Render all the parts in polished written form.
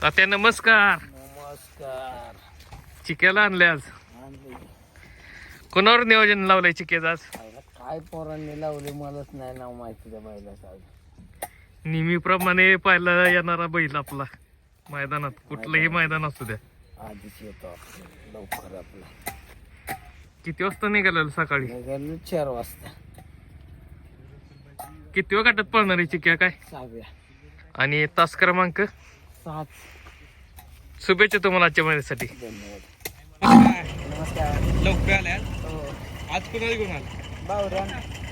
तात्या नमस्कार. नमस्कार. चिक्याला आणले आज. आणले. कोणावर नियोजन लावलंय चिक्याचं आज? काय पोरांनी लावले मलाच नाही नाव माहिती त्या बैलाचं आज. नेहमीप्रमाणे पाहायला येणारा बैल आपला मैदानात, कुठलंही मैदान असू द्या. आधीच येतो आपण लवकर. आपला किती वाजता निघालेलं सकाळी? निघालो 4 वाजता. किती वेळ गाठात पळणार आहे चिक्या काय? 6व्या. आणि तास क्रमांक 7. शुभेच्छा तुम्हाला आजच्या महिन्यासाठी. धन्यवाद. नमस्कार. लवकर आल्या हो. आज कुणाला घेऊन आला? बावऱ्या.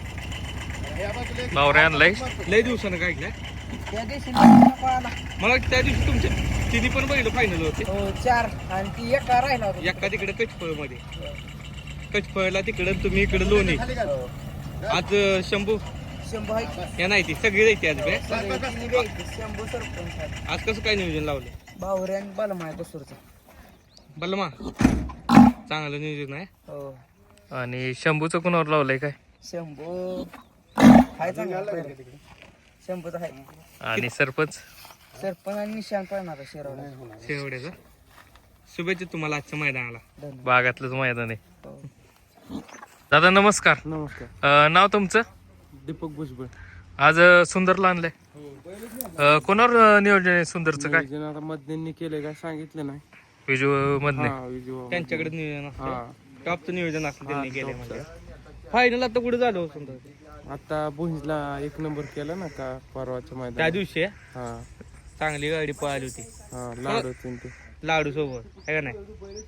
बावऱ्या आणलाय. लय दिवसानं काय ऐकलंय त्या दिवशी आला. मला त्या दिवशी तुमच्या तिन्ही पण बैल फायनल होते. हो 4 आणि ती एका राहिला होता. एका तिकडे कचफळ मध्ये, कचफळला तिकडे तुम्ही इकडे लोणी. हो. आज शंभू शंभू आहे. या नाही ती सगळी जायची आज बे. शंभू सरपंच. आज कसं काय नियोजन लावलं? बावऱ्या आणि बालमाय बसूरचा. बलमा चांगलं नियोजन आहे. हो. आणि शंभूचं कोणावर लावलंय काय? शंभू हाय चांगला. शंभूचा हाय. आणि सरपंच सरपंच आणि निशाण पळणार शिरवला. शेवड्याचा. शुभेच्छा तुम्हाला आजच्या मैदानाला. धन्यवाद. बागातलंच मैदान आहे. हो. दादा नमस्कार. नमस्कार. नाव तुमचं? दीपक भुजबळ. आज सुंदरला आणलंय. कोणावर नियोजन आहे सुंदरचं काय? आता मध्यंनी केले काय सांगितलं नाही. विजू मधले विजू त्यांच्याकडे नियोजन असतं. टॉपचं नियोजन असतं त्यांनी केलंय म्हणजे. फायनल आता कुठे झालं सुंदर? आता भुजला 1 नंबर केला ना का परवाच्या त्या मैदान. दिवशी हा चांगली गाडी पळाली होती हा लाडू ते. लाडू सोबत आहे का नाही.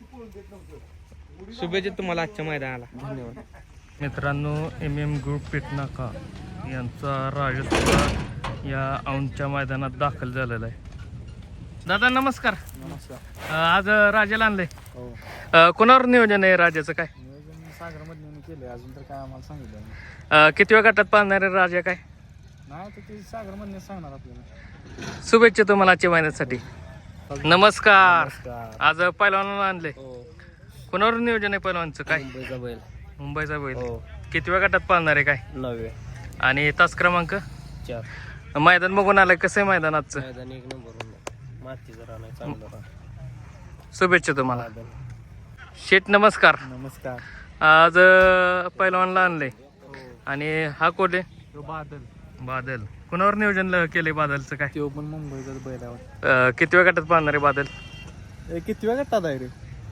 शुभेच्छा तुम्हाला आजच्या मैदानाला. धन्यवाद. मित्रांनो, MM ग्रुप पेटनाका यांचा राजस्थान या औंधच्या मैदानात दाखल झालेला आहे. दादा नमस्कार. नमस्कार. आज राजाला आणलंय. हो. कोणावर नियोजन आहे राजाचं काय? नियोजन सागर मधून केले. अजून तर काय आम्हाला सांगितलं नाही. किती वेळ गटात पाहणार आहे राजा काय? नाही तर ते सागर मधून सांगणार आपल्याला. शुभेच्छा तुम्हाला आजच्या महिन्यासाठी. नमस्कार. नमस्कार. आज पैलवानाला आणले. हो. कोणावर नियोजन आहे पैलवानचं काय? मुंबईचा बैल. मुंबईचा बैल. हो. किती वेळ गटात पाहणार आहे काय? 9. आणि तास क्रमांक 4. मैदान बघून आलाय. कसं आहे मैदान आजचं? मैदान 1 नंबर. माती जरा नाही चांगलं. शुभेच्छा तुम्हाला. शेठ नमस्कार. नमस्कार. आज पैलवानला आणले. आणि हा कोण आहे? बादल. बादल. कोणावर नियोजन केले बादलचं काय? तो पण मुंबईचा बैल आहे. किती वेळ गटात पाहणार आहे बादल? किती वेळ गटात आहे रे?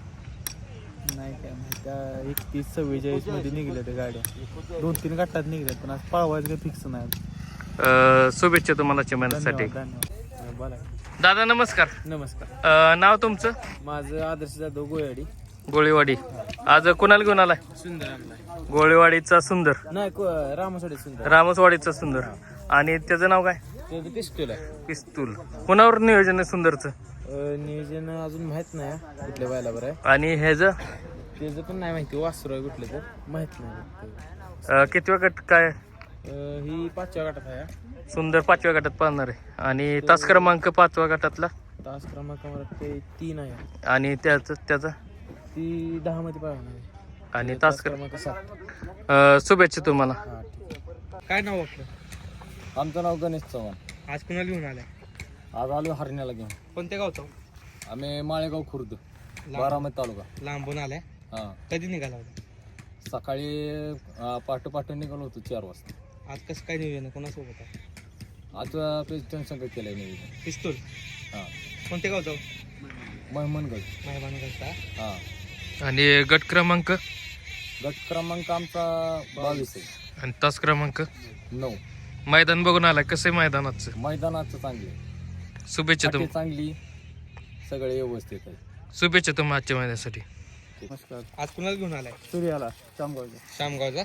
नाही काय माहिती. 31-44 मध्ये निघल्या त्या गाड्या. 2-3 गटात निघल्यात पण आज पळवायचं काही फिक्स नाही. शुभेच्छा तुम्हाला आजच्या महिन्यासाठी. धन्यवाद. बोला. दादा नमस्कार. नमस्कार. नाव तुमचं? माझं आदर्श जाधव गोयाडी. गोळीवाडी. आज कुणाला घेऊन आलाय? सुंदर आणलाय. गोळीवाडीचा सुंदर. नाही रामासाठी सुंदर. रामसवाडीचा सुंदर. आणि त्याचं नाव काय? त्याचं पिस्तूल आहे. पिस्तूल. कोणावर नियोजन आहे सुंदरचं? नियोजन अजून माहित नाही कुठल्या बैला बरं आहे. आणि ह्याच त्याचं पण नाही माहिती. वासरू आहे कुठलं तर माहित नाही. किती वेळ गट काय? ही 5व्या गटात आहे. सुंदर 5व्या गटात पाहणार आहे. आणि तास क्रमांक 5व्या गटातला. तास क्रमांक मला ते 3 आहे. आणि त्याचा ती 10 मध्ये पाहणार आहे. आणि तास क्रमांक 7. शुभेच्छा तुम्हाला. हा ठीक आहे. काय नाव आपलं? आमचं नाव गणेश चव्हाण. आज कुणाला घेऊन आलाय? आज आलो हरण्याला घेऊन. कोणत्या गावचा? आम्ही माळेगाव खुर्द, बारामती तालुका. लांबून आलाय. हा. कधी निघाला होता? सकाळी पहाटे निघालो होतो 4 वाजता. आज कसं काय नियोजन आहे? कोणासोबत आहे? आज प्रेसिडेंट संघ केलंय नियोजन. पिस्तूल. हा. कोणत्या गावचा? महमनगड. मेहरबानी. हा. आणि गट क्रमांक? गट क्रमांक आमचा 22 आहे. आणि तास क्रमांक 9. मैदान बघून आलाय. कसं आहे मैदानाचं? मैदानाचं चांगली. शुभेच्छा तुम चांगली. सगळे व्यवस्थित आहे. शुभेच्छा तुम्हाला आजच्या महिन्यासाठी. नमस्कार. आज कुणाला घेऊन आलाय? सूर्याला चांगला. शामगावचा.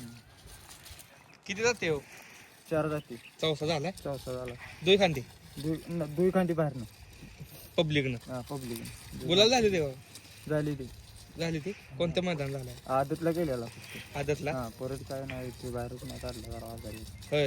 किती जाते हो? 4 जाती. चौसा झालाय. चौसा झाला. दोन खांदी दुई खांडी बाहेर ना. पब्लिकनं. हा पब्लिक गुलाल झाली तेव्हा. झाली ती कोणतं मैदान झालंय? आदतला गेलेला. आदतला. हा परत काय नाही ते बाहेरच नाही काढलं जरा आजारी. होय.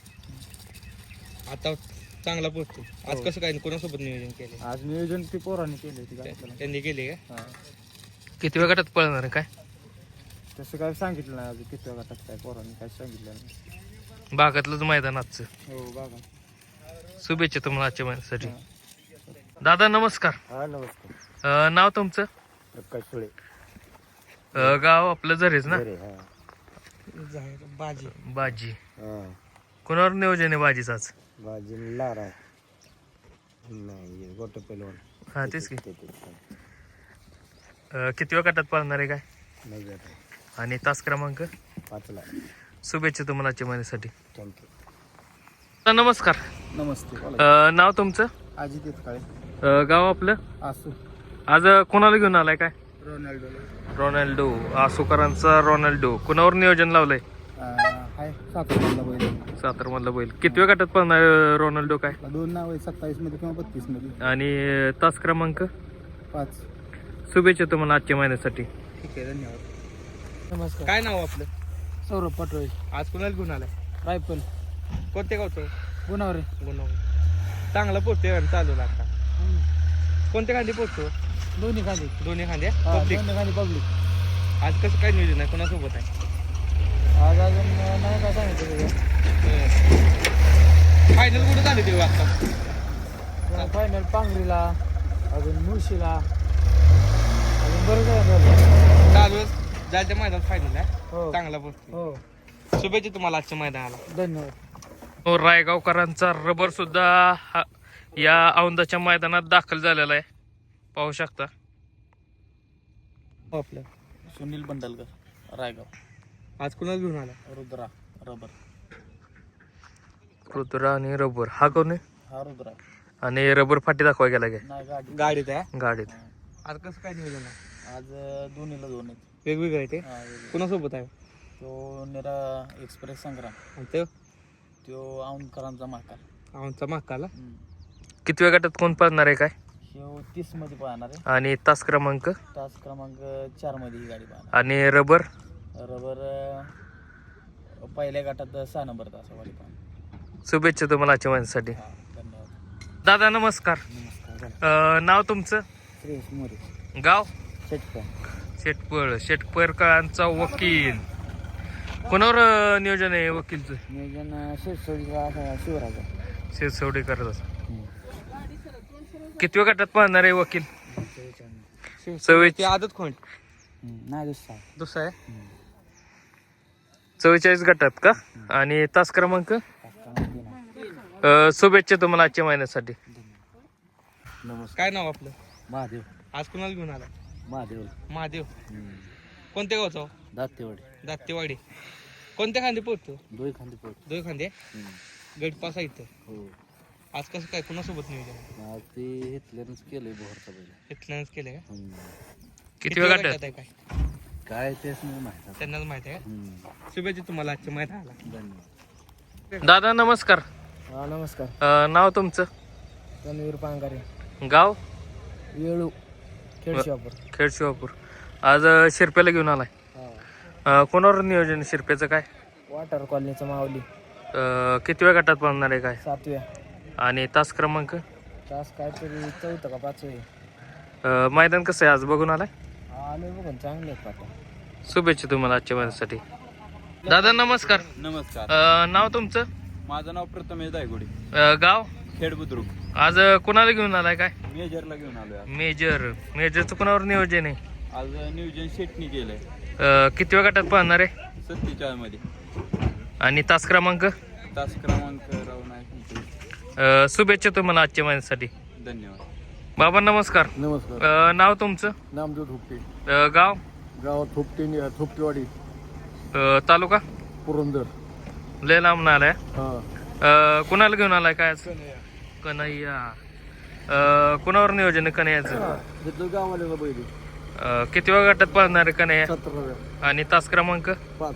आता चांगला पोहोचतो. आज हो. कसं काय कोणासोबत नियोजन केले? आज नियोजन ती पोरांनी केले. त्यांनी केले का? हा. किती वेळ गटात पळणार आहे काय? तसं काय सांगितलं नाही अजून. किती गटात काय पोरांनी काय सांगितलं नाही. भागातलंच मैदान आजचं. हो बघा. शुभेच्छा तुम्हाला आजच्या महिन्यासाठी. हा. दादा नमस्कार. हा नमस्कार. नाव तुमचं? प्रकाश सुळे. गाव आपलं झरेच ना? बाजी. बाजी. कोणावर नियोजन आहे बाजीच आज? बाजी लारा नाही गोट पेलवान. हा तेच की. किती वेळ गटात पाळणार आहे काय? नाही आणि तास क्रमांक? 5ला. शुभेच्छा तुम्हाला आजच्या महिन्यासाठी. थँक्यू. नमस्कार. नमस्ते. नाव तुमचं? अजित येतकाळे. गाव आपलं? आसू. आज कोणाला घेऊन आलाय काय? रोनाल्डो. रोनाल्डो. आसुकरांचा रोनाल्डो. कुणावर नियोजन लावलंय? हाय 7 बैल. सातार मधला बैल. किती वेळ गटात पाळणार रोनाल्डो काय? 2 नाव आहे 27 मध्ये किंवा 32 मध्ये. आणि तास क्रमांक? 5. शुभेच्छा तुम्हाला आजच्या महिन्यासाठी. ठीक आहे धन्यवाद. नमस्कार. काय नाव आपलं? सौरभ पटोळे. आज कुणाला घेऊन आलाय? रायफल. कोणत्या गावचं? गुणावरे. गुणवणी. चांगला पोहतोय आणि चालू लागता. कोणत्या खांदी पोहतो? दोन्ही खाली. दोन्ही खांद्या पब्लिक. दोन्ही खाली पब्लिक. आज कसं काय नियोजन आहे? कोणासोबत आहे? आज अजून नाही काय सांगितलं. फायनल कुठं झाली ते आता? फायनल पांगरीला, अजून मुळशीला, अजून बरं काय चालू जायच्या मैदानात फायनल आहे. हो चांगला पोहतो. हो. शुभेच्छा तुम्हाला आजच्या मैदानाला. धन्यवाद. रायगावकरांचा रबर सुद्धा या औंदाच्या मैदानात दाखल झालेला आहे. पाहू शकता. आपलं सुनील बंडलकर रायगाव. आज कुणाला घेऊन आला? रुद्रा रबर. रुद्रा आणि रबर. हा कोण आहे? हा रुद्रा. आणि रबर फाटी दाखवा गेला काय नाही गाडी. गाडीत आहे. गाडीत? आज कसं काय नियोजन आहे? आज दोन्हीला 2 आहेत. वेगवेगळं आहे ते. हा, वेगळे. कुणासोबत आहे? तो निरा एक्सप्रेस संग्राम. आणि ते तो औंधकरांचा माकार. आमचा माकाला. किती वेळ गटात कोण पाळणार आहे काय? ह्यो 30 मध्ये पाहणार आहे. आणि तास क्रमांक? तास क्रमांक 4 मध्ये ही गाडी पाहणार. आणि रबर? रबर पहिल्या गटात 6 नंबर तासावाली पाहणार. शुभेच्छा तुम्हाला आजच्या महिन्यासाठी. हा धन्यवाद. दादा नमस्कार. नमस्कार. नाव तुमचं? श्रेयस मोरे. गाव? शेटका. शेटपळकरांचा वकील. कोणावर नियोजन आहे वकीलचं? नियोजन शेतसोडीचा शिवराजा. शेतसवडी करत. किती वेळ गटात पाहणार आहे वकील? ते आदत कोण? नाही दुसरा. दुसरा आहे. 44 गटात का? आणि तास क्रमांक? शुभेच्छा तुम्हाला आजच्या महिन्यासाठी. नमस्कार. काय नाव आपलं? महादेव. आज कुणाला घेऊन आला? महादेव. महादेव. कोणत्या गावचा? दातेवाडी. दातेवाडी. कोणत्या खांदे पोहतो? 2 खांदे पोट. 2 खांदे. गटपास आहे इथं. हो. आज कसं काय कुणासोबत नियोजन? आज ते इथल्यानंच केलंय बोहरचा बैल. इथल्यानंच केलं का? किती वेळ गटात? आहे काय? काय तेच नाही माहिती. त्यांनाच माहिती आहे का? शुभेच्छा तुम्हाला आजच्या मैदानाला. धन्यवाद. दादा नमस्कार. हा नमस्कार. नाव तुमचं? रणवीर पांगारे. गाव? येळू. खेडशिवापूर. खेड शिवापूर. आज शिरप्याला घेऊन आलाय. कोणावर नियोजन शिरप्याचं काय? वाटर कॉलनीचं माऊली. किती वेळ गटात पाहणार आहे काय? 7व्या. आणि तास क्रमांक? तास काहीतरी 4th का 5th. मैदान कसं आहे आज बघून आलाय? आले बघून चांगले आहेत पाटा. शुभेच्छा तुम्हाला आजच्या महिन्यासाठी. दादा नमस्कार. नमस्कार. नाव तुमचं? माझं नाव प्रथमेश दायगुडी. गाव? खेड बुद्रुक. आज कोणाला घेऊन आलाय काय? मेजरला घेऊन आलोय आज. मेजरचं कोणावर नियोजन आहे? आज नियोजन शेटनी केलंय किती वेळ गटात पाहणार आहे? 47 मध्ये. आणि तास क्रमांक? तास क्रमांक राव नाही. शुभेच्छा तुम्हाला आजच्या महिन्यासाठी. धन्यवाद. बाबा नमस्कार. नमस्कार. नाव तुमचं? नामदेव थोपटे. गाव? गावात थोपटेवाडी. तालुका? पुरंदर. लय लांब आलाय. हा. कुणाला घेऊन आलाय काय आज? कन्हैया. कुणावर नियोजन आहे कन्हैयाचं? तिथलं गावाला बैल. किती वेळ गटात पाहणार आहे कन्हैया? 17व्या. आणि तास क्रमांक?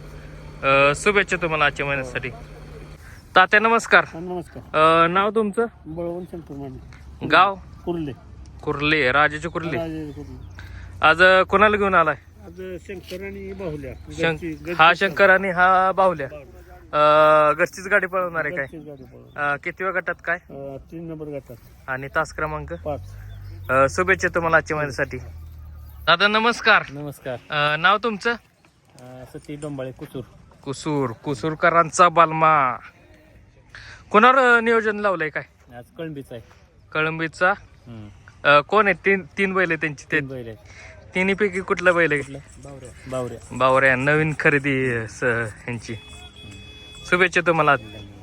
5. शुभेच्छा तुम्हाला आजच्या महिन्यासाठी. तात्या नमस्कार. नमस्कार. नाव तुमचं? बळवंत शंकर माने. गाव? कुर्ले. कुर्ले. राजाचे कुर्ले. कुर्ले. आज कोणाला घेऊन आलाय? आज शंकर आणि बाहुल्या. हा शंकर आणि हा बाहुल्या. घरचीच गाडी पळवणार आहे काय? गाडी पळवली. किती वेळ गटात काय? 3 नंबर गटात. आणि तास क्रमांक? 5. शुभेच्छा तुम्हाला आजच्या महिन्यासाठी. दादा नमस्कार. नमस्कार. नाव तुमचं? सती डोंबाळे कुसूर. कुसूरकरांचा बालमा. कोणावर नियोजन लावलंय काय? आज कळंबीचा आहे. कळंबीचा कोण आहे तीन बैल आहे त्यांची ते तिन्हीपैकी कुठला बैल आहे? बावऱ्या नवीन खरेदी ह्यांची. शुभेच्छा तुम्हाला.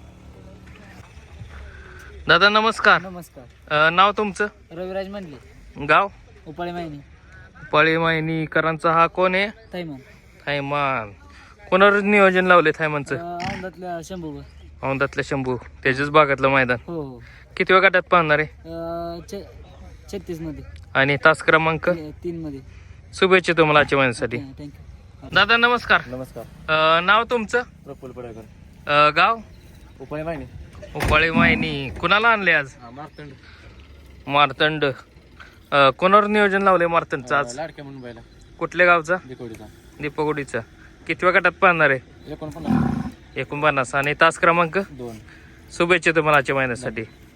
दादा नमस्कार. नमस्कार. नाव तुमचं? रविराज म्हणले, गाव? उपाळी माहिनी. पळी मायनीकरांचा हा कोण आहे? थैमान. थैमान. कोणावर नियोजन लावले थैमानचं? औंधातल्या शंभू. औंधातल्या शंभू. त्याच्याच भागातलं मैदान. हो हो. किती वेळ गटात पाहणार आहे? 36 मध्ये. आणि तास क्रमांक? 3 मध्ये. शुभेच्छा तुम्हाला आजच्या महिन्यासाठी. थँक्यू. दादा नमस्कार. नमस्कार. नाव तुमचं? प्रफुल्ल पडळकर. गाव? उपाळी माहिनी. उपाळी मायनी. कुणाला आणले आज? मारतंड. मारतंड. कोणावर नियोजन लावले मारतंडचं आज? लाडक्या मुंबईला. कुठल्या गावचा? दिकोडीचा. दीपगुडीचा. किती वेळ गटात पाहणार आहे? 49. 49. आणि तास क्रमांक? 2. शुभेच्छा तुम्हाला आजच्या महिन्यासाठी.